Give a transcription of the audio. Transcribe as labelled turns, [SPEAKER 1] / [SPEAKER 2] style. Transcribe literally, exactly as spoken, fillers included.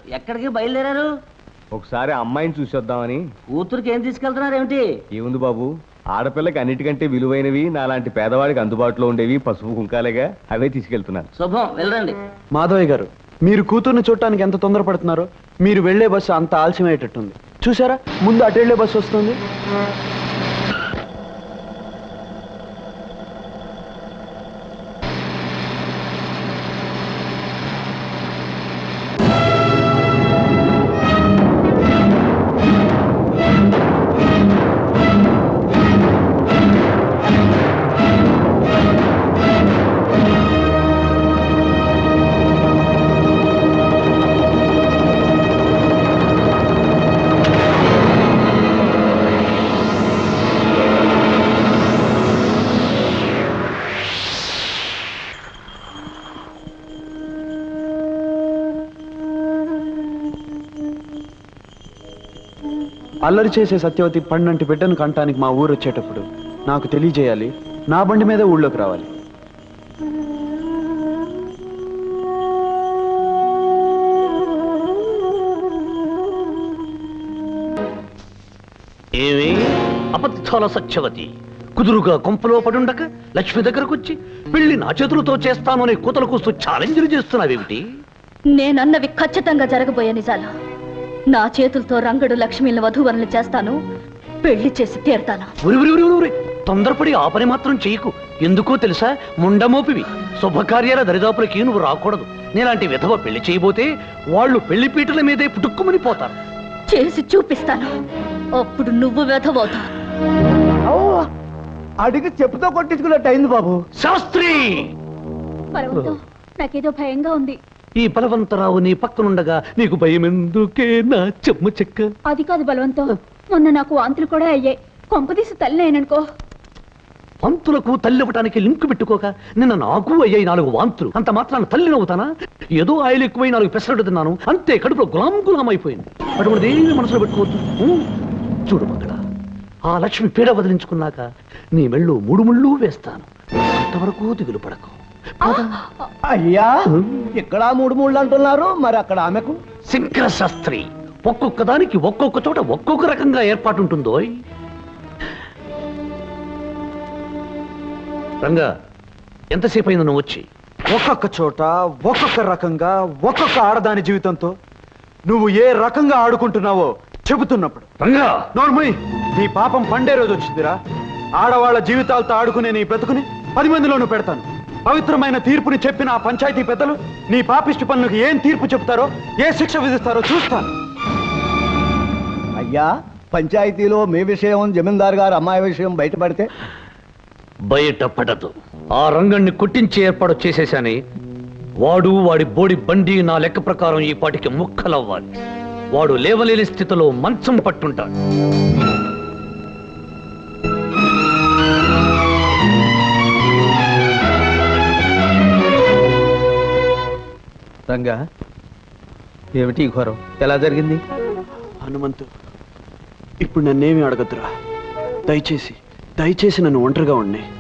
[SPEAKER 1] ఎక్కడికి బయలుదేరారు?
[SPEAKER 2] ఒకసారి అమ్మాయిని చూసొద్దామని.
[SPEAKER 1] కూతురికి ఏం తీసుకెళ్తున్నారు ఏమిటి?
[SPEAKER 2] ఏముంది బాబు, ఆడపిల్లకి అన్నిటికంటే విలువైనవి నాలాంటి పేదవాడికి అందుబాటులో ఉండేవి పసుపు కుంకాలేగా, అవే తీసుకెళ్తున్నాను.
[SPEAKER 1] శుభం, వెళ్ళండి.
[SPEAKER 3] మాధవయ్య గారు, మీరు కూతుర్ని చూడటానికి ఎంత తొందరపడుతున్నారో. మీరు వెళ్లే బస్సు అంత ఆలస్యమయ్యేటట్టుంది. చూసారా, ముందు అటు వెళ్లే బస్సు వస్తుంది. అల్లరి చేసే సత్యవతి పండంటి బిడ్డను కంటానికి మా ఊరు వచ్చేటప్పుడు నాకు తెలియజేయాలి. నా బండి మీద ఊళ్ళోకి రావాలి.
[SPEAKER 4] ఏమి అబద్ధాల సత్యవతి, కుదురుగా కొంపలో పడుండక లక్ష్మి దగ్గరకు వచ్చి పెళ్లి నా చేతులతో చేస్తాను అనే కూతలు కూస్తూ ఛాలెంజ్లు చేస్తున్నావేమిటి?
[SPEAKER 5] నేనన్నవి ఖచ్చితంగా జరగబోయే నిజాలు. నా చేతులతో రంగడు లక్ష్మిని వధూవరులు చేస్తాను, పెళ్లి చేసి తీరుతాను.
[SPEAKER 4] తొందరపడి ఆ పని మాత్రం చెయ్యకు. ఎందుకో తెలుసా, ముండమోపివి. శుభకార్యాల దరిదాపులకి నువ్వు రాకూడదు. నేలాంటి విధవ పెళ్లి చేయబోతే వాళ్ళు పెళ్లి పీటల మీదే పుట్టుక్కుమని పోతారు.
[SPEAKER 5] చేసి చూపిస్తాను, అప్పుడు నువ్వు వెధవవుతావు.
[SPEAKER 3] అడిగి చెప్పుతో కొట్టించుకున్నట్టు అయింది బాబు.
[SPEAKER 4] శాస్త్రి,
[SPEAKER 5] నాకేదో భయంగా ఉంది.
[SPEAKER 4] ఈ బలవంతరావు నీ పక్కనుండగా నీకు భయం ఎందుకే నా చెమ్మ చెక్క?
[SPEAKER 5] అది కాదు బలవంతం, మొన్న నాకు వాంతులు కూడా అయ్యాయి. కొంపదీసి తల్లి అయిననుకో.
[SPEAKER 4] వాంతులకు తల్లి ఇవ్వటానికి లింకు పెట్టుకోక నిన్న నాకు అయ్యాయి నాలుగు వాంతులు. అంత మాత్రాన తల్లి నవ్వుతానా? ఏదో ఆయిల్ ఎక్కువై నాలుగు పెసరట్టు తిన్నాను అంతే, కడుపులో గులాం గులాం అయిపోయింది. అటువంటి ఏమి మనసులో పెట్టుకోవద్దు. చూడు మగడ, ఆ లక్ష్మి పీడ వదిలించుకున్నాక నీ మెళ్ళు మూడు ముళ్ళు వేస్తాను. అంతవరకు దిగులు పడకు.
[SPEAKER 3] అయ్యా, ఇక్కడ మూడు మూడు అంటున్నారు, మరి అక్కడ ఆమెకు?
[SPEAKER 4] శంకర శాస్త్రి, ఒక్కొక్క దానికి ఒక్కొక్క చోట ఒక్కొక్క రకంగా ఏర్పాటుంటుందో. రంగా, ఎంతసేపు అయింది నువ్వు వచ్చి?
[SPEAKER 3] ఒక్కొక్క చోట ఒక్కొక్క రకంగా ఒక్కొక్క ఆడదాని జీవితంతో నువ్వు ఏ రకంగా ఆడుకుంటున్నావో చెబుతున్నప్పుడు.
[SPEAKER 4] రంగా
[SPEAKER 3] నోర్మయ్, నీ పాపం పండే రోజు వచ్చిందిరా. ఆడవాళ్ల జీవితాలతో ఆడుకునే నీ బ్రతుకుని పది మందిలోనూ పెడతాను. పవిత్రమైన తీర్పుని చెప్పిన ఆ పంచాయతీ పెద్దలు నీ పాపిష్టి పనులకు ఏం తీర్పు చెప్తారో, ఏ శిక్ష విధిస్తారో చూస్తాను.
[SPEAKER 6] అయ్యా, పంచాయతీలో మీ విషయం, జమీందార్ గారు అమ్మాయి విషయం బయటపడితే?
[SPEAKER 4] బయట పడదు. ఆ రంగణ్ణి కొట్టించే ఏర్పాటు చేసేశాని. వాడు వాడి బోడి బండి నా లెక్క ప్రకారం ఈ పాటికి ముక్కలవ్వాలి. వాడు లేవలేని స్థితిలో మంచం పట్టుంటాడు.
[SPEAKER 1] రంగా, ఏమిటి ఘోరం? ఎలా జరిగింది?
[SPEAKER 3] హనుమంతు, ఇప్పుడు నన్నేమి అడగద్దురా. దయచేసి దయచేసి నన్ను ఒంటరిగా ఉండి